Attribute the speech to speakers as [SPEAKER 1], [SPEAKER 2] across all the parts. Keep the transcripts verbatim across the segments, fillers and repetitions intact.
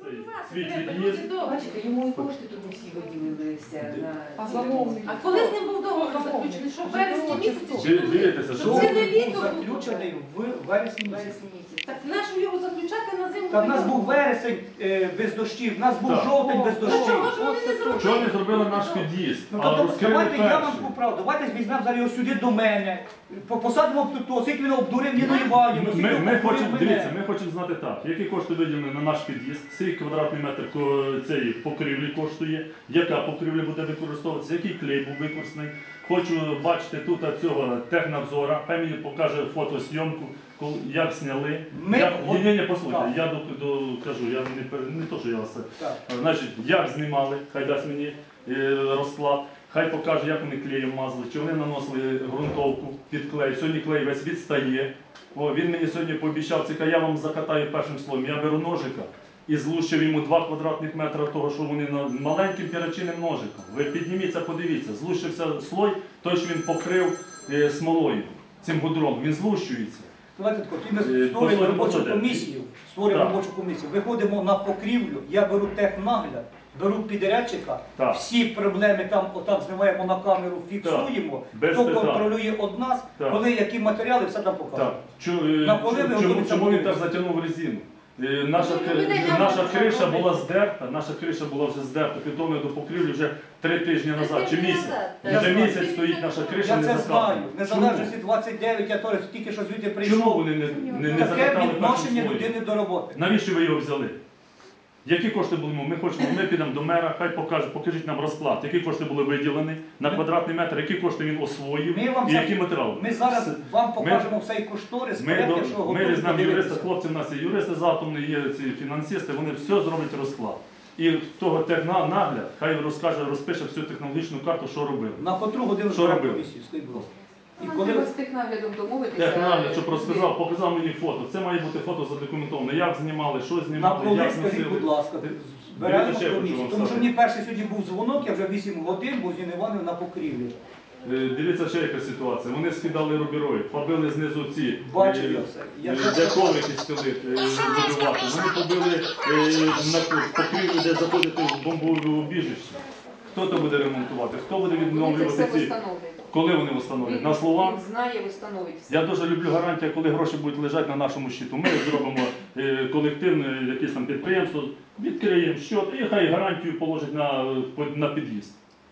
[SPEAKER 1] цей свій під'їзд.
[SPEAKER 2] Бачите, йому і кошти туди всі виділилися.
[SPEAKER 3] А замовник?
[SPEAKER 4] А коли з ним був договор заключений? Що в вересні місяці?
[SPEAKER 1] Чи дивитеся, що
[SPEAKER 4] Це не літо
[SPEAKER 5] був заключений в вересні місяці.
[SPEAKER 4] Так нащо його заключати на зиму?
[SPEAKER 5] Та в нас був вересень е, без дощів, в нас був
[SPEAKER 1] Так.
[SPEAKER 5] жовтень без
[SPEAKER 4] Ну,
[SPEAKER 5] дощів.
[SPEAKER 4] чого ж вони не зробили?
[SPEAKER 1] чого не зробили наш під'їзд?
[SPEAKER 5] Ну,
[SPEAKER 1] А
[SPEAKER 5] то,
[SPEAKER 1] розкрили
[SPEAKER 5] давайте я вам
[SPEAKER 1] перший.
[SPEAKER 5] поправду, давайте візьмемо зараз його сюди до мене, по- посадимо тут, скільки він обдурив Ніну Іванівну, скільки
[SPEAKER 1] Ми,
[SPEAKER 5] він
[SPEAKER 1] ми
[SPEAKER 5] обдурив
[SPEAKER 1] хочемо,
[SPEAKER 5] мене.
[SPEAKER 1] дивіться, ми хочемо знати так, які кошти виділені на наш під'їзд, скільки квадратний метр ко- цієї покрівлі коштує, яка покрівля буде використовуватися, який клей був використаний. Хочу бачити тут цього технадзора, хай мені покаже фотосйомку, коли- як зняли.
[SPEAKER 5] Ми-
[SPEAKER 1] Як,
[SPEAKER 5] от-
[SPEAKER 1] ні, ні, послухайте,
[SPEAKER 5] так.
[SPEAKER 1] я до, до, кажу, я не, пер- не то, що я вас це.
[SPEAKER 5] Так.
[SPEAKER 1] Значить, як знімали, хай дасть мені е, розклад, хай покаже, як вони клеєм мазали, чи вони наносили ґрунтовку під клей. Сьогодні клей весь відстає. О, він мені сьогодні пообіцяв, це я вам закатаю першим словом. Я беру ножика і злущив йому два квадратних метри того, що вони на маленьким перочинним ножиком. Ви підніміться, подивіться, злущився слой, той, що він покрив е, смолою, цим гудром, він злущується.
[SPEAKER 5] Давайте тако, тоді ми
[SPEAKER 1] Е,
[SPEAKER 5] створюємо
[SPEAKER 1] послухайте,
[SPEAKER 5] робочу
[SPEAKER 1] послухайте.
[SPEAKER 5] комісію, створюємо
[SPEAKER 1] Так.
[SPEAKER 5] робочу комісію, виходимо на покрівлю, я беру технагляд, беру підрядчика,
[SPEAKER 1] Так.
[SPEAKER 5] всі проблеми там отак знімаємо на камеру, фіксуємо,
[SPEAKER 1] Без
[SPEAKER 5] хто
[SPEAKER 1] питань.
[SPEAKER 5] контролює од нас,
[SPEAKER 1] Так.
[SPEAKER 5] коли які матеріали, все там показуємо.
[SPEAKER 1] Так. Чу- е,
[SPEAKER 5] На коли ви
[SPEAKER 1] чому,
[SPEAKER 5] готуєте
[SPEAKER 1] чому він так
[SPEAKER 5] будинок?
[SPEAKER 1] затягнув резину? Е, Наша,
[SPEAKER 4] Ну, ви не
[SPEAKER 1] наша
[SPEAKER 4] можете
[SPEAKER 1] криша
[SPEAKER 4] робити.
[SPEAKER 1] була здерта, наша криша була вже здерта, підготовлена до покрівлі вже три тижні назад, чи
[SPEAKER 4] тижні
[SPEAKER 1] місяць.
[SPEAKER 4] назад,
[SPEAKER 5] так.
[SPEAKER 1] Вже
[SPEAKER 5] Я
[SPEAKER 1] місяць
[SPEAKER 4] знаю.
[SPEAKER 1] стоїть наша криша,
[SPEAKER 5] Я
[SPEAKER 1] не
[SPEAKER 5] це знаю,
[SPEAKER 1] закатана.
[SPEAKER 5] в незалежності двадцять дев'ять, я теж тільки що звідти
[SPEAKER 1] Чому?
[SPEAKER 5] прийшов.
[SPEAKER 1] Чому вони не, не, не
[SPEAKER 5] Таке
[SPEAKER 1] закатали
[SPEAKER 5] відношення
[SPEAKER 1] першим
[SPEAKER 5] людини
[SPEAKER 1] слоєм?
[SPEAKER 5] до роботи.
[SPEAKER 1] Навіщо ви його взяли? Які кошти були? Ми хочемо, ми підемо до мера, хай покаже, покажіть нам розклад, які кошти були виділені на квадратний метр, які кошти він освоїв
[SPEAKER 5] Ми вам
[SPEAKER 1] і
[SPEAKER 5] це-
[SPEAKER 1] які матеріали.
[SPEAKER 5] Ми зараз
[SPEAKER 1] С-
[SPEAKER 5] вам
[SPEAKER 1] ми-
[SPEAKER 5] покажемо все і кошторис,
[SPEAKER 1] Ми,
[SPEAKER 5] проект,
[SPEAKER 1] до-
[SPEAKER 5] якщо
[SPEAKER 1] ми
[SPEAKER 5] готові
[SPEAKER 1] візьмемо юриста,
[SPEAKER 5] подивитися.
[SPEAKER 1] хлопці в нас є юристи з атомної, є ці фінансисти, вони все зроблять розклад. І того технагляд, хай розкаже, розпише всю технологічну карту, що робили.
[SPEAKER 5] На котру годину
[SPEAKER 1] Що
[SPEAKER 5] збираємо
[SPEAKER 1] робили?
[SPEAKER 5] комісію, скажіть, будь ласка. І
[SPEAKER 3] Нам
[SPEAKER 5] коли
[SPEAKER 3] треба з технаглядом домовитися.
[SPEAKER 1] Технагляд, щоб розказав, показав мені фото. Це має бути фото задокументовано. Як знімали, що
[SPEAKER 5] на
[SPEAKER 1] знімали,
[SPEAKER 5] коли,
[SPEAKER 1] як
[SPEAKER 5] скажіть,
[SPEAKER 1] носили.
[SPEAKER 5] будь ласка,
[SPEAKER 1] Дивіться,
[SPEAKER 5] збираємо
[SPEAKER 1] ще я хочу
[SPEAKER 5] комісію.
[SPEAKER 1] вам
[SPEAKER 5] Тому що
[SPEAKER 1] сказати.
[SPEAKER 5] мені перший сьогодні був дзвонок, я вже вісім годин був з Ніни Іванівною на покрівлі.
[SPEAKER 1] Е, Дивіться, ще яка ситуація. Вони скидали рубіроїд, побили знизу ці,
[SPEAKER 5] Бачив
[SPEAKER 1] е,
[SPEAKER 5] я все. Я
[SPEAKER 1] е,
[SPEAKER 5] все
[SPEAKER 1] де
[SPEAKER 5] бачив.
[SPEAKER 1] коврики стелити, е, будувати. Вони побили е, на покрівлю, де заходити в бомбове убіжище. Хто то буде ремонтувати? Хто буде
[SPEAKER 3] Вони це все
[SPEAKER 1] відновлювати ці?
[SPEAKER 3] встановлюють.
[SPEAKER 1] Коли вони встановлять? На словах?
[SPEAKER 3] Він знає, встановить все.
[SPEAKER 1] Я дуже люблю гарантію, коли гроші будуть лежати на нашому щиту. Ми зробимо е, колективне якесь там підприємство, відкриємо щот і хай гарантію положить на, на під'їзд.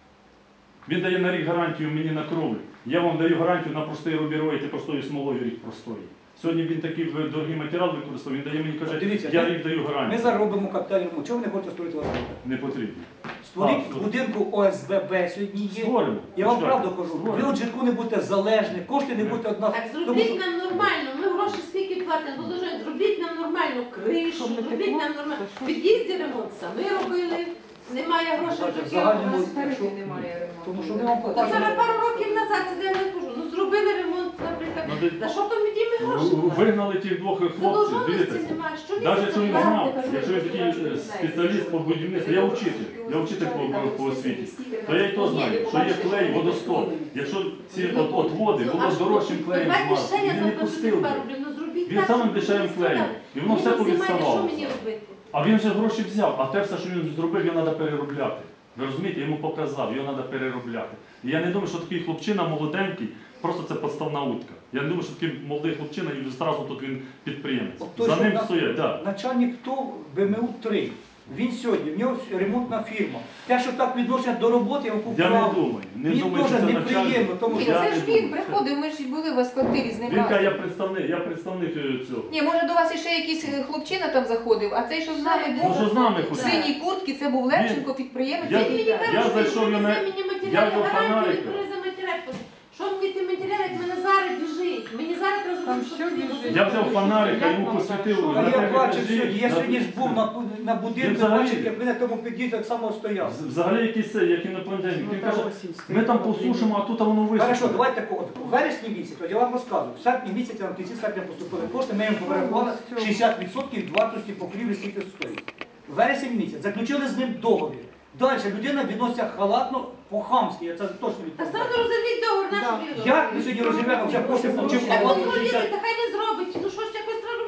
[SPEAKER 1] Він дає на рік гарантію мені на кровлю. Я вам даю гарантію на простий рубіроїд і простою смолою рік простої. Сьогодні він такий дорогий матеріал використовує, він дає мені, каже,
[SPEAKER 5] Дивіться,
[SPEAKER 1] я
[SPEAKER 5] ми-
[SPEAKER 1] рік даю
[SPEAKER 5] Ми
[SPEAKER 1] гарантію.
[SPEAKER 5] зараз робимо капітальний ремонт. Чого ви не хочете створити вас?
[SPEAKER 1] Не потрібно.
[SPEAKER 5] Створіть
[SPEAKER 1] А,
[SPEAKER 5] в будинку О С Б Б сьогодні є.
[SPEAKER 1] Створимо.
[SPEAKER 5] Я вам
[SPEAKER 1] Почекайте.
[SPEAKER 5] правду кажу, ви
[SPEAKER 1] Створимо.
[SPEAKER 5] от житку не будете залежні, кошти не будете одна.
[SPEAKER 4] Так
[SPEAKER 5] Тому
[SPEAKER 4] зробіть
[SPEAKER 5] що-
[SPEAKER 4] нам нормально, ми гроші скільки платимо, положить, зробіть нам нормальну кришу,
[SPEAKER 3] Щоб не
[SPEAKER 4] зробіть
[SPEAKER 3] текло,
[SPEAKER 4] нам нормально.
[SPEAKER 3] то що?
[SPEAKER 4] В під'їзді ремонт самі робили, немає грошей
[SPEAKER 5] Бачите,
[SPEAKER 4] вже
[SPEAKER 5] загальному-
[SPEAKER 4] кілька разів.
[SPEAKER 5] Якщо-
[SPEAKER 3] немає ремонту.
[SPEAKER 5] Тому що ми вам
[SPEAKER 4] Та
[SPEAKER 5] покажемо.
[SPEAKER 4] зараз пару років назад, це я не кажу, ну зробили ремонт, наприклад.
[SPEAKER 1] Ну, де-
[SPEAKER 4] Та що там від ми гроші?
[SPEAKER 1] В- Вигнали тих двох хлопців,
[SPEAKER 4] Задовженості
[SPEAKER 1] дивіться.
[SPEAKER 4] немає, що він
[SPEAKER 1] Навіть якщо він
[SPEAKER 4] зробив?
[SPEAKER 1] знав, якщо він такий е, спеціаліст по будівництву, я вчитель, я вчитель по, по, по освіті, то я й то знаю, що є клей, водосток. Якщо ці от, от води було з дорожчим клеєм
[SPEAKER 4] Давайте ще
[SPEAKER 1] змазати,
[SPEAKER 4] я
[SPEAKER 1] він не
[SPEAKER 4] запишу
[SPEAKER 1] пустив би.
[SPEAKER 4] пару, блін, ну зробіть
[SPEAKER 1] Він
[SPEAKER 4] так,
[SPEAKER 1] самим
[SPEAKER 4] щоб
[SPEAKER 1] дешевим
[SPEAKER 4] не
[SPEAKER 1] клеєм.
[SPEAKER 4] сказали.
[SPEAKER 1] І воно все
[SPEAKER 4] Мені знімає,
[SPEAKER 1] повідставалося.
[SPEAKER 4] Що мені робити?
[SPEAKER 1] А він вже гроші взяв, а те все, що він зробив, його треба переробляти. Ви розумієте, йому показав, його треба переробляти. І я не думаю, що такий хлопчина молоденький, просто це підставна утка. Я не думаю, що такий молодий хлопчина і одразу тут він підприємець.
[SPEAKER 5] От той,
[SPEAKER 1] За
[SPEAKER 5] що
[SPEAKER 1] ним
[SPEAKER 5] на-
[SPEAKER 1] стоять, так.
[SPEAKER 5] Начальник ТОВ Б М У три. Він сьогодні, в нього ремонтна фірма. Те, що так відношення до роботи, я вам
[SPEAKER 1] Я не
[SPEAKER 5] поправлю.
[SPEAKER 1] думаю. Не
[SPEAKER 5] Мені
[SPEAKER 1] думаю,
[SPEAKER 5] теж
[SPEAKER 1] що це
[SPEAKER 5] неприємно,
[SPEAKER 1] начальник.
[SPEAKER 5] тому
[SPEAKER 3] Ні,
[SPEAKER 5] що
[SPEAKER 1] Я
[SPEAKER 3] це
[SPEAKER 1] не
[SPEAKER 3] ж
[SPEAKER 1] думаю.
[SPEAKER 3] він приходив, ми ж були у вас в квартирі з ним
[SPEAKER 1] Він каже,
[SPEAKER 3] разом.
[SPEAKER 1] я представник, я представник е, цього.
[SPEAKER 3] Ні, може до вас іще якийсь е, хлопчина там заходив, а цей, що з нами
[SPEAKER 1] Ну
[SPEAKER 3] був,
[SPEAKER 1] що з нами
[SPEAKER 3] в
[SPEAKER 1] ходить?
[SPEAKER 3] синій куртці, це був Левченко, підприємець.
[SPEAKER 1] Я-
[SPEAKER 3] який-
[SPEAKER 4] Мені кажуть,
[SPEAKER 1] Я
[SPEAKER 4] що
[SPEAKER 1] зайшов,
[SPEAKER 4] він
[SPEAKER 1] я
[SPEAKER 4] привезе
[SPEAKER 1] на-
[SPEAKER 4] мені
[SPEAKER 1] я
[SPEAKER 4] матеріали,
[SPEAKER 1] до
[SPEAKER 4] гарантію,
[SPEAKER 1] фонарика.
[SPEAKER 4] він привезе матеріал. Що мені ті матеріали, як в мене зараз біжить? Мені зараз треба
[SPEAKER 3] Там
[SPEAKER 4] зробити,
[SPEAKER 3] що
[SPEAKER 4] щоб
[SPEAKER 3] біжить?
[SPEAKER 4] він
[SPEAKER 1] Я взяв фонарик, я йому посвітив.
[SPEAKER 5] А
[SPEAKER 1] на
[SPEAKER 5] я
[SPEAKER 1] те
[SPEAKER 5] бачив
[SPEAKER 1] етажі,
[SPEAKER 5] сьогодні, я
[SPEAKER 1] на-
[SPEAKER 5] сьогодні ж був на, на
[SPEAKER 1] Він
[SPEAKER 5] будинку,
[SPEAKER 1] взагалі-
[SPEAKER 5] бачив, як він на тому під'їзді так само стояв.
[SPEAKER 1] З- Взагалі якийсь це, як інопланетянин. Він каже, ми там посушимо, а тут воно
[SPEAKER 5] Хорошо,
[SPEAKER 1] висохне.
[SPEAKER 5] давайте так, от, у вересні місяці, от я вам розказую, в серпні місяці, на кінці серпня поступили кошти, ми їм поверхували шістдесят відсотків від вартості покрівлі, скільки стоїть. Вересень місяць, заключили з ним договір. Далі людина відноситься халатно, по-хамськи, я це точно
[SPEAKER 4] Та
[SPEAKER 5] відповідаю.
[SPEAKER 4] сразу розірвіть договор, нашу віру.
[SPEAKER 5] Як ми сьогодні розірвемо, вже кошти получив
[SPEAKER 4] Так от
[SPEAKER 5] халатно
[SPEAKER 4] зробіть,
[SPEAKER 5] шістдесят.
[SPEAKER 4] та хай не зробить. Ну що ж якось треба робити?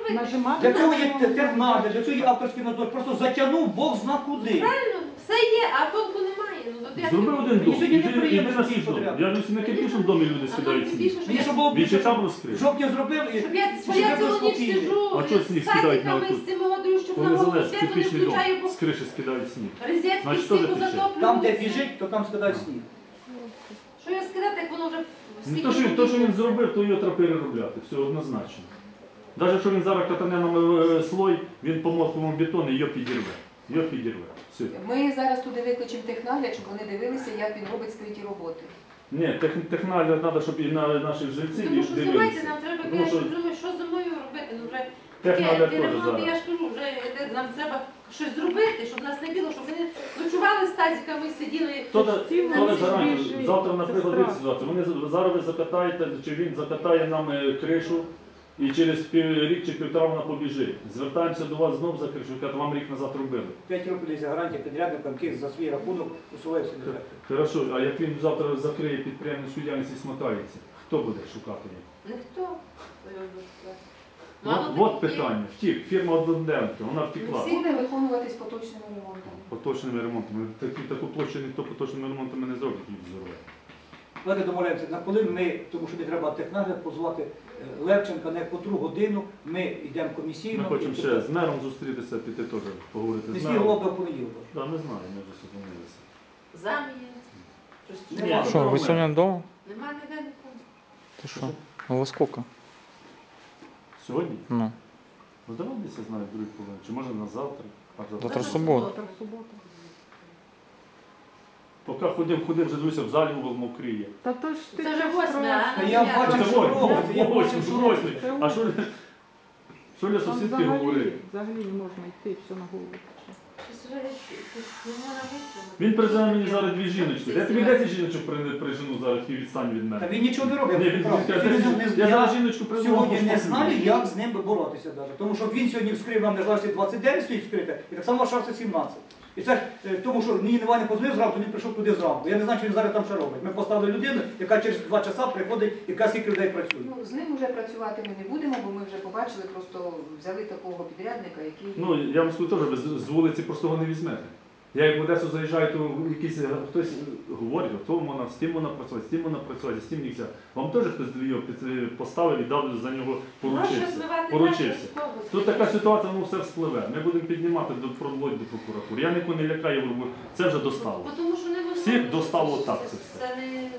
[SPEAKER 4] робити.
[SPEAKER 5] Для цього є тернади, для цього є авторський надзор. Просто затягнув Бог зна куди.
[SPEAKER 4] Правильно, все є, а толку немає. Ну, от як
[SPEAKER 1] Зроби
[SPEAKER 4] його-
[SPEAKER 1] один дом,
[SPEAKER 5] Сьогодні
[SPEAKER 1] іди, іди
[SPEAKER 5] неприємно
[SPEAKER 1] на
[SPEAKER 5] всі
[SPEAKER 1] свій дом.
[SPEAKER 5] подряд.
[SPEAKER 1] Я досі на кирпічному домі люди
[SPEAKER 4] А
[SPEAKER 1] скидають
[SPEAKER 4] нам
[SPEAKER 1] сніг.
[SPEAKER 4] більше, що
[SPEAKER 5] Мені
[SPEAKER 4] я-
[SPEAKER 5] щоб було
[SPEAKER 1] Він ще
[SPEAKER 5] більше,
[SPEAKER 1] там
[SPEAKER 5] щоб
[SPEAKER 1] розкрив.
[SPEAKER 5] жовтня зробив і
[SPEAKER 4] Щоб я,
[SPEAKER 5] щоб
[SPEAKER 4] що я
[SPEAKER 5] ви
[SPEAKER 4] цілу ніч
[SPEAKER 5] спокійні.
[SPEAKER 4] сижу
[SPEAKER 1] А чого сніг
[SPEAKER 4] з
[SPEAKER 1] скидають на
[SPEAKER 4] садиками,
[SPEAKER 1] отут?
[SPEAKER 4] з цими водою, щоб
[SPEAKER 1] Коли
[SPEAKER 4] на голову
[SPEAKER 1] залез
[SPEAKER 4] свято не
[SPEAKER 1] кирпічний дом,
[SPEAKER 4] включаю, бо
[SPEAKER 1] з криші скидають сніг.
[SPEAKER 4] розетки
[SPEAKER 1] Значить,
[SPEAKER 4] всі
[SPEAKER 1] теж тече.
[SPEAKER 4] позатоплюються.
[SPEAKER 5] Там, де біжить, то там скидають сніг.
[SPEAKER 4] Що я сказати, як воно вже
[SPEAKER 1] Ну, то, що, він- то, що він зробив, то його треба переробляти, все однозначно. Навіть якщо він зараз катане нам е, слой, він по мокрому бетону його підірве. Його підірве. Все.
[SPEAKER 3] Ми зараз туди викличемо технагляд, щоб вони дивилися, як він робить скриті роботи.
[SPEAKER 1] Ні, тех, технагляд треба, щоб і на наших жильців
[SPEAKER 4] Тому що
[SPEAKER 1] дивилися.
[SPEAKER 4] зимайте, нам треба,
[SPEAKER 1] Тому
[SPEAKER 4] я
[SPEAKER 1] що
[SPEAKER 4] ж думаю, що зимою робити, ну вже
[SPEAKER 1] технагляд
[SPEAKER 4] таке,
[SPEAKER 1] теж
[SPEAKER 4] ремонт,
[SPEAKER 1] зараз.
[SPEAKER 4] я ж кажу, вже е, нам треба щось зробити, щоб нас не було, щоб ми не ночували з тазиками, сиділи.
[SPEAKER 1] Хто да-
[SPEAKER 4] Всі
[SPEAKER 1] хто не
[SPEAKER 4] всі
[SPEAKER 1] зарані,
[SPEAKER 4] біжить.
[SPEAKER 1] завтра,
[SPEAKER 4] Це
[SPEAKER 1] наприклад,
[SPEAKER 4] страшно.
[SPEAKER 1] дивіться ситуацію. Вони з- зараз ви закатаєте, чи він закатає нам е, кришу, і через пів, рік чи півтора вона побіжить. Звертаємося до вас знов за кришу, яка вам рік назад робили.
[SPEAKER 5] П'ять років десь гарантія підрядникам, які за свій рахунок усувають всі дефекти.
[SPEAKER 1] Хорошо, а як він завтра закриє підприємницьку діяльність і смотається, хто буде шукати їх?
[SPEAKER 4] Ніхто.
[SPEAKER 1] От, от питання. Втік, фірма Одноденка, вона втекла.
[SPEAKER 3] Всі буде виконуватись поточними ремонтами.
[SPEAKER 1] Поточними ремонтами. Таку, таку площу ніхто поточними ремонтами не зробить, їх зорве.
[SPEAKER 5] Давайте домовляємося, на коли ми, тому що не треба технагляд, позвати е, Левченка на котру годину, ми йдемо комісійно.
[SPEAKER 1] Ми хочемо
[SPEAKER 5] і-
[SPEAKER 1] ще з мером зустрітися, піти теж поговорити з
[SPEAKER 5] Міський
[SPEAKER 1] мером.
[SPEAKER 5] голова до понеділка.
[SPEAKER 1] Так, ми знаємо, ми вже зупинилися.
[SPEAKER 4] Заміє. Щось
[SPEAKER 5] Нема.
[SPEAKER 4] чує.
[SPEAKER 6] Что, вы сегодня дома?
[SPEAKER 4] Нема ніде нікого.
[SPEAKER 6] Ты что? Ну во сколько?
[SPEAKER 1] Сьогодні?
[SPEAKER 6] Ну,
[SPEAKER 1] Ну давай десь я знаю, в другій половині. Чи може на завтра? А завтра?
[SPEAKER 6] завтра суббота.
[SPEAKER 1] Поки ходив, ходив, вже дивився, в залі угол мокріє.
[SPEAKER 7] Та то ж ти
[SPEAKER 4] Це вже
[SPEAKER 7] щось
[SPEAKER 4] восьме, а?
[SPEAKER 5] Та
[SPEAKER 4] Ну,
[SPEAKER 5] я
[SPEAKER 4] я-
[SPEAKER 5] бачив,
[SPEAKER 1] Це
[SPEAKER 5] що
[SPEAKER 1] ось,
[SPEAKER 5] робиться, я
[SPEAKER 1] ось,
[SPEAKER 5] бачив,
[SPEAKER 1] ось,
[SPEAKER 5] що
[SPEAKER 1] ось.
[SPEAKER 5] робиться.
[SPEAKER 1] А що, що для
[SPEAKER 7] Там
[SPEAKER 1] сусідки
[SPEAKER 7] взагалі,
[SPEAKER 1] говорить?
[SPEAKER 7] взагалі не можна йти, все на голову тече.
[SPEAKER 4] Щось вже якось не можна витримати.
[SPEAKER 1] Він призиває мені зараз дві жіночки. Я тобі десять жіночок при- прижену зараз, які відстань від
[SPEAKER 5] Та
[SPEAKER 1] мене.
[SPEAKER 5] він нічого не робить.
[SPEAKER 1] Ні, він
[SPEAKER 5] правда.
[SPEAKER 1] каже,
[SPEAKER 5] Він
[SPEAKER 1] «Десять
[SPEAKER 5] не-
[SPEAKER 1] жіночок». Я зараз жіночку призивав.
[SPEAKER 5] Сьогодні не знаю, як з ним боротися навіть. Тому що він сьогодні вскрив нам незалежність двадцять дев'ять стоїть вскрите, і так само шарса сімнадцять. І це ж е, тому, що мені Іван не позвонив зранку, він прийшов туди зранку. Я не знаю, що він зараз там ще робить. Ми поставили людину, яка через два часа приходить, яка скільки людей працює.
[SPEAKER 3] Ну, з ним вже працювати ми не будемо, бо ми вже побачили, просто взяли такого підрядника, який...
[SPEAKER 1] Ну, я вам скажу теж, ви з з вулиці просто його не візьмете. Я як в Одесу заїжджаю, то якийсь е, хтось говорить, то вона, з тим вона працювати, з тим вона працювати, з тим нельзя. Вам теж хтось його під- поставив і дав за нього
[SPEAKER 4] Гроші
[SPEAKER 1] поручився.
[SPEAKER 4] зливати
[SPEAKER 1] Поручився.
[SPEAKER 4] наші автобуси.
[SPEAKER 1] Тут така ситуація, ну все вспливе. Ми будемо піднімати до проводь до прокуратури. Я нікого не лякаю, бо це вже достало.
[SPEAKER 4] Бо Тому що не можна.
[SPEAKER 1] Всіх достало так це все.
[SPEAKER 4] Це не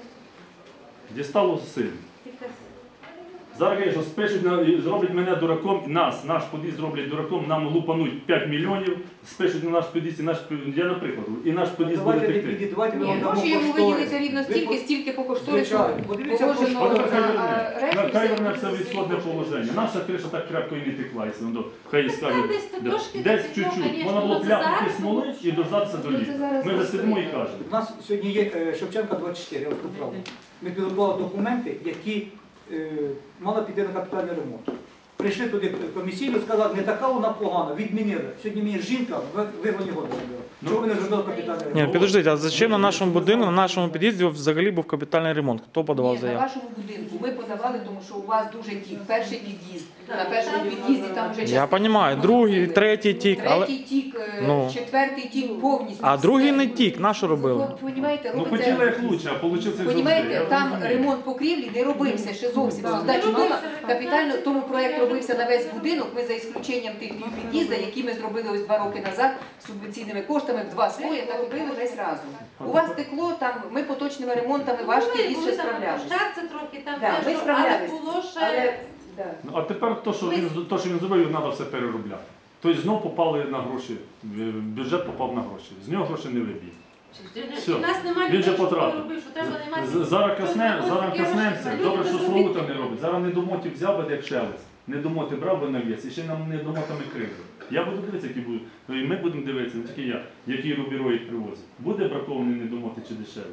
[SPEAKER 1] Дістало сильно.
[SPEAKER 4] якась.
[SPEAKER 1] Зараз кажуть, що спишуть, на- і зроблять мене дураком, нас, наш під'їзд зроблять дураком, нам лупануть п'ять мільйонів, спишуть на наш під'їзд, і наш, пі- я наприклад, і наш під'їзд буде
[SPEAKER 5] Давайте
[SPEAKER 1] текти.
[SPEAKER 5] не давайте ми
[SPEAKER 3] Ні,
[SPEAKER 5] вам дамо
[SPEAKER 3] гроші йому
[SPEAKER 5] кошторис.
[SPEAKER 3] виділиться рівно
[SPEAKER 5] Ви
[SPEAKER 3] стільки,
[SPEAKER 5] по-
[SPEAKER 3] стільки по кошторису
[SPEAKER 5] Звичайно. Подивіться,
[SPEAKER 3] положено,
[SPEAKER 1] От хай
[SPEAKER 3] а
[SPEAKER 1] верне,
[SPEAKER 3] решту
[SPEAKER 1] хай
[SPEAKER 3] все
[SPEAKER 1] верне все в
[SPEAKER 3] йому
[SPEAKER 1] ісходне положення. Наша криша так крепко і не текла, якщо воно, хай і скаже,
[SPEAKER 4] Там десь то
[SPEAKER 1] да.
[SPEAKER 4] трошки
[SPEAKER 1] десь
[SPEAKER 4] не текло,
[SPEAKER 1] чуть-чуть,
[SPEAKER 4] конечно,
[SPEAKER 1] вона було
[SPEAKER 4] ну, це
[SPEAKER 1] пляпнути
[SPEAKER 4] зараз,
[SPEAKER 1] смоли
[SPEAKER 4] тому
[SPEAKER 1] і дождатися до
[SPEAKER 3] Ну, це
[SPEAKER 1] літа.
[SPEAKER 3] зараз
[SPEAKER 1] Ми вже
[SPEAKER 3] просто
[SPEAKER 1] сидимо і
[SPEAKER 3] є.
[SPEAKER 1] кажемо.
[SPEAKER 5] У нас сьогодні є е, Шевченка двадцять чотири, я вам скажу правду. Ми підготували документи, які е, мали піти на капітальний ремонт. Прийшли туди комісійно, сказали, не така вона погана, відмінили. Сьогодні мені жінка в вигоні года зробила. Чого ви не зробили капітальний ремонт?
[SPEAKER 6] Ні, підождіть, а зачем на нашому будинку, на нашому під'їзді взагалі був капітальний ремонт? Хто подавав
[SPEAKER 3] Ні, на
[SPEAKER 6] заяву?
[SPEAKER 3] вашому будинку ми подавали, тому що у вас дуже тік. Перший під'їзд.
[SPEAKER 4] Так,
[SPEAKER 3] На першому
[SPEAKER 4] так.
[SPEAKER 3] під'їзді там вже
[SPEAKER 6] Я
[SPEAKER 3] частина
[SPEAKER 6] розумію, другий,
[SPEAKER 3] зробили.
[SPEAKER 6] третій тік, але...
[SPEAKER 3] Третій тік, е,
[SPEAKER 6] Ну.
[SPEAKER 3] четвертий тік повністю.
[SPEAKER 6] А другий
[SPEAKER 3] все.
[SPEAKER 6] не тік, на що робили?
[SPEAKER 3] Ви розумієте,
[SPEAKER 1] Ну
[SPEAKER 3] робиться...
[SPEAKER 1] хотіли як лучше, а вийшло як
[SPEAKER 3] Понімаєте,
[SPEAKER 1] завжди.
[SPEAKER 3] там
[SPEAKER 1] Я розумію.
[SPEAKER 3] ремонт покрівлі не робився ще зовсім.
[SPEAKER 4] Так.
[SPEAKER 3] Здачу
[SPEAKER 4] Не
[SPEAKER 3] дома
[SPEAKER 4] робився.
[SPEAKER 3] капітально, тому проект робився на весь будинок. Ми за ісключенням тих пів під'їзда, які ми зробили ось два роки назад субвенційними коштами, в два слої, так робили весь разом. У вас текло там, ми поточними ремонтами ваш
[SPEAKER 4] Були,
[SPEAKER 3] під'їзд
[SPEAKER 4] були
[SPEAKER 3] ще
[SPEAKER 4] там
[SPEAKER 3] справлялися.
[SPEAKER 4] площадці трохи, там
[SPEAKER 3] Да,
[SPEAKER 4] те,
[SPEAKER 3] ми
[SPEAKER 4] що-
[SPEAKER 3] справлялись.
[SPEAKER 4] але було ще...
[SPEAKER 3] Але, да.
[SPEAKER 1] Ну, а тепер то, що він, то, що він зробив, треба все переробляти. Тобто знов попали на гроші, в- бюджет попав на гроші. З нього гроші не виб'є. Все.
[SPEAKER 4] У нас немає
[SPEAKER 1] Він же
[SPEAKER 4] людей, що
[SPEAKER 1] потратив.
[SPEAKER 4] робив, що треба немає.
[SPEAKER 1] З- Зараз касне,
[SPEAKER 4] Ось
[SPEAKER 1] зараз
[SPEAKER 4] таке
[SPEAKER 1] каснемося.
[SPEAKER 4] важке.
[SPEAKER 1] Добре,
[SPEAKER 4] Люди
[SPEAKER 1] що
[SPEAKER 4] без
[SPEAKER 1] Славута
[SPEAKER 4] робіт.
[SPEAKER 1] не робить. Зараз недомотів взяв би як шелест. Недомоти брав би навіс і ще нам недомотами криви. Я буду дивитися, які будуть. Ну, і ми будемо дивитися, не тільки я, які рубіро їх привозять. Буде бракований недомоти чи дешевий?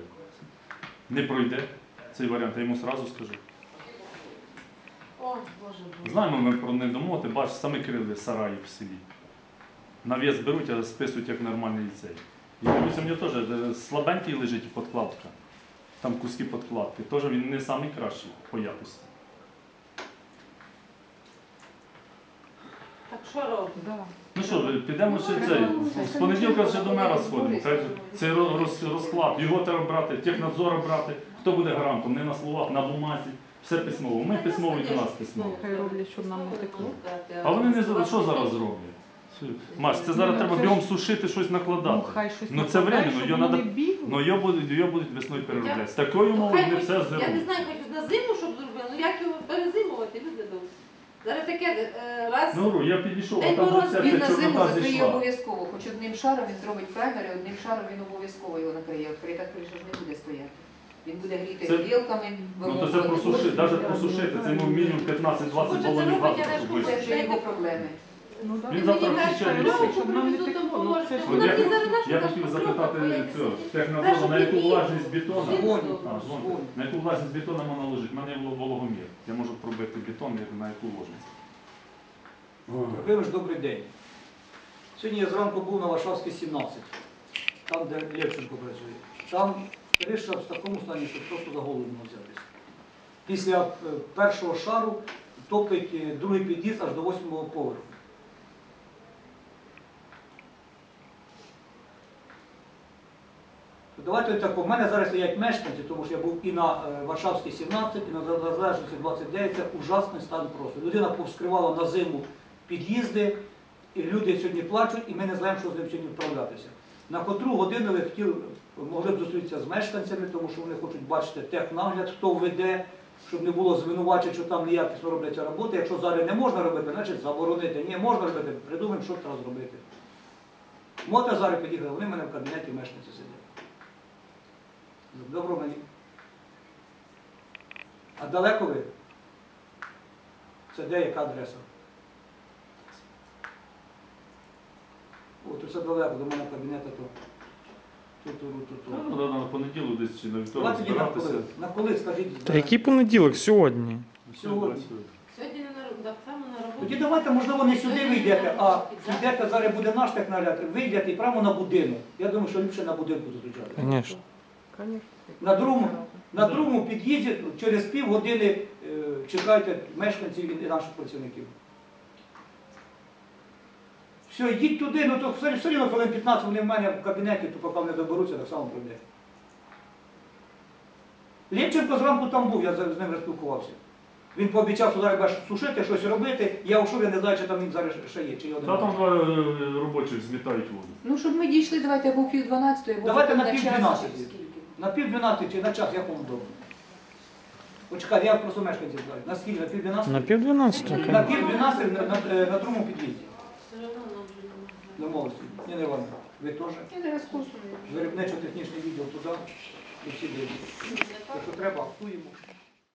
[SPEAKER 1] Не пройде цей варіант, я йому одразу скажу.
[SPEAKER 4] О, Боже, Боже.
[SPEAKER 1] Знаємо ми про недомоти, бач, самі крили сараї в селі. Навіс беруть, а списують як нормальний цей. І дивлюся, в нього теж е, слабенький лежить подкладка. Там куски подкладки. Теж він не найкращий по якості.
[SPEAKER 4] Так що робимо?
[SPEAKER 7] Да.
[SPEAKER 1] Ну що, підемо ще цей. З понеділка ще до мера сходимо. Хай же цей роз- розклад, його треба брати, технадзора брати. Хто буде гарантом? Не на словах, на бумазі. Все письмово. Ми письмово і до нас письмово.
[SPEAKER 7] Хай роблять, щоб нам не текло.
[SPEAKER 1] А вони не зроблять. Що зараз роблять? Маш, це зараз
[SPEAKER 7] Ну,
[SPEAKER 1] треба
[SPEAKER 7] це
[SPEAKER 1] бігом
[SPEAKER 7] ж-
[SPEAKER 1] сушити, щось
[SPEAKER 7] Ну,
[SPEAKER 1] накладати.
[SPEAKER 7] хай щось
[SPEAKER 1] Ну, це
[SPEAKER 7] накладають,
[SPEAKER 1] временно,
[SPEAKER 7] щоб
[SPEAKER 1] його
[SPEAKER 7] вони
[SPEAKER 1] надо-
[SPEAKER 7] бігли.
[SPEAKER 1] Ну його будуть, його будуть весною переробляти. З такою
[SPEAKER 4] Ну,
[SPEAKER 1] мовою
[SPEAKER 4] хай
[SPEAKER 1] не
[SPEAKER 4] хоч-
[SPEAKER 1] все
[SPEAKER 4] Я не
[SPEAKER 1] зробимо.
[SPEAKER 4] знаю, хоч на зиму, щоб зробили, ну як його перезимувати, люди добрі. Зараз таке е, раз.
[SPEAKER 1] Ну, Ру, я підійшов, а
[SPEAKER 4] День
[SPEAKER 1] там
[SPEAKER 4] мороз,
[SPEAKER 1] вже
[SPEAKER 3] Він
[SPEAKER 1] вся
[SPEAKER 3] на зиму
[SPEAKER 1] чорнота
[SPEAKER 3] закриє
[SPEAKER 1] зійшла.
[SPEAKER 3] обов'язково, хоч одним шаром він зробить фермери, одним шаром він обов'язково його накриє. Відкрита криша ж не буде стояти. Він буде гріти
[SPEAKER 1] Це-
[SPEAKER 3] грілками,
[SPEAKER 1] Ну то це просушити, навіть просушити, це ну, мінімум п'ятнадцять-двадцять
[SPEAKER 4] Хочеться
[SPEAKER 1] балонів газу,
[SPEAKER 4] робити, але
[SPEAKER 1] щоб
[SPEAKER 4] ж
[SPEAKER 1] вийшло.
[SPEAKER 3] Це вже його проблеми.
[SPEAKER 7] Ну, да.
[SPEAKER 1] Він завтра
[SPEAKER 4] Мені
[SPEAKER 1] включає
[SPEAKER 4] кажуть,
[SPEAKER 1] ліси.
[SPEAKER 7] щоб нам не текло, ну, це ж-
[SPEAKER 1] От
[SPEAKER 4] Вона
[SPEAKER 1] я,
[SPEAKER 4] мені зараз наша
[SPEAKER 1] я
[SPEAKER 4] наша
[SPEAKER 1] хотів
[SPEAKER 4] потрібна,
[SPEAKER 1] запитати
[SPEAKER 4] бо я
[SPEAKER 1] цього,
[SPEAKER 4] не
[SPEAKER 1] технадзору, на яку
[SPEAKER 4] Першу
[SPEAKER 1] влажність бетону,
[SPEAKER 4] підійду.
[SPEAKER 1] а, дзвоните. На яку влажність бетону можна ложити? У мене є вологомір. Я можу пробити бетон, я- на яку ложність.
[SPEAKER 5] Вибач, добрий день. Сьогодні я зранку був на Варшавській сімнадцять, там, де Левченко працює. Там криша в такому стані, що просто за голову не взятися. Після е, першого шару топить е, другий під'їзд аж до восьмого поверху. Давайте так, у мене зараз стоять мешканці, тому що я був і на е, Варшавській сімнадцять, і на Незалежності двадцять дев'ять, це ужасний стан просто. Людина повскривала на зиму під'їзди, і люди сьогодні плачуть, і ми не знаємо, що з ним сьогодні вправлятися. На котру годину ви хотіли, могли б зустрітися з мешканцями, тому що вони хочуть бачити технагляд, хто веде, щоб не було звинувачень, що там неякісно робляться роботи. Якщо зараз не можна робити, значить заборонити. Ні, можна робити, придумаємо, що треба зробити. Мота зараз під'їхала, вони в мене в кабінеті мешканці сидять. Добро мені. А далеко ви? Це де, яка адреса? О, то це далеко, до мене кабінету, то тут, тут, тут,
[SPEAKER 1] Ну,
[SPEAKER 5] тут.
[SPEAKER 1] треба на понеділок десь чи на вівторок
[SPEAKER 5] Давайте тоді на
[SPEAKER 1] збиратися.
[SPEAKER 5] коли? На коли, скажіть?
[SPEAKER 6] Та який понеділок? Сьогодні.
[SPEAKER 5] Сьогодні.
[SPEAKER 4] Сьогодні не на роб- так само на роботі.
[SPEAKER 5] Тоді давайте, можливо, не сюди вийдете, а йдете, зараз буде наш технагляд, вийдете і прямо на будинок. Я думаю, що ліпше на будинку зустрічати.
[SPEAKER 6] Звісно.
[SPEAKER 7] Конечно.
[SPEAKER 5] На другому, на другому під'їзді через півгодини е, чекайте мешканців і наших працівників. Все, йдіть туди, ну то все, все рівно хвилин п'ятнадцять вони в мене в кабінеті, то поки вони доберуться, так само пройде. Лєвченко зранку там був, я з з ним розпілкувався. Він пообіцяв, що зараз буде сушити, щось робити. Я ушов, я не знаю, чи там він зараз ще є, чи його
[SPEAKER 1] Та
[SPEAKER 5] немає.
[SPEAKER 1] там два е, робочих змітають воду.
[SPEAKER 3] Ну, щоб ми дійшли, давайте або в пів дванадцятої, або
[SPEAKER 5] Давайте
[SPEAKER 3] потім
[SPEAKER 5] на пів
[SPEAKER 3] час,
[SPEAKER 5] дванадцятої.
[SPEAKER 3] чи скільки.
[SPEAKER 5] На пів дванадцяти чи на час, як вам вдома? Почекайте, я просто мешканців знаю. На скільки? На пів дванадцяти?
[SPEAKER 6] На пів дванадцятого.
[SPEAKER 5] На пів дванадцяти на, на, е, на другому під'їзді.
[SPEAKER 4] Все одно нам вже не можна.
[SPEAKER 5] Домовилися. Ніна Івановна, ви теж?
[SPEAKER 3] Я зараз курсу.
[SPEAKER 5] Виробничо-технічний відділ туди і всі дивляться. Якщо треба, актуємо.